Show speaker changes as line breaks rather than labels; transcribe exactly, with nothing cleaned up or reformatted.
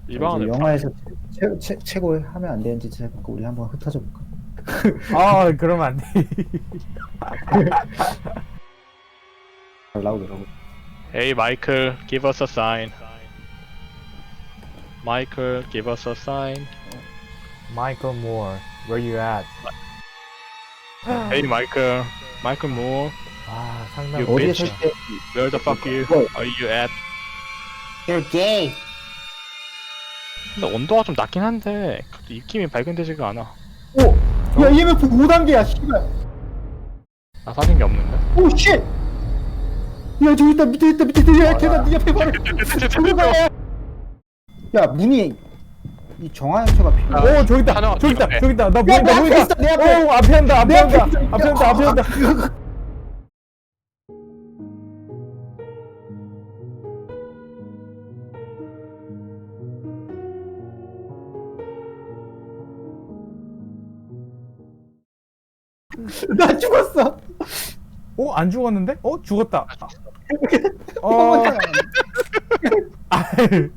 이
자, 이제
방안을
영화에서 최, 최, 최고 하면 안 되는지 생각하고 우리 한번 흩어져 볼까?
아 그러면 안 돼.
잘 나오더라고.
Hey Michael, give us a sign. Michael, give us a sign.
Michael Moore, where you at?
Hey Michael, Michael Moore,
아 상당.
You
어디에
bitch.
설 때
where the fuck you
뭐?
are you at?
You're gay.
근데 온도가 좀 낮긴 한데 그래도 입김이 발견되지가 않아.
오! 야 이엠에프 오 단계야 씨발.
나 사진 게 없는데?
오 쉣! 야 저기 있다 밑에 있다 밑에 있다. 야 계단 네 옆에 바로 들어가. 야 문이 이 정화연소가 필요해.
아,
오 저기 있다.
하나
저기 있다.
없네.
저기 있다. 나
야,
보인다.
내 앞에
보인다.
있어, 내 앞에.
오 앞에 온다. 앞에
내
온다.
앞에 있어.
앞에 온다. 앞에 온다.
나 죽었어.
어 안 죽었는데? 어 죽었다.
어.
아,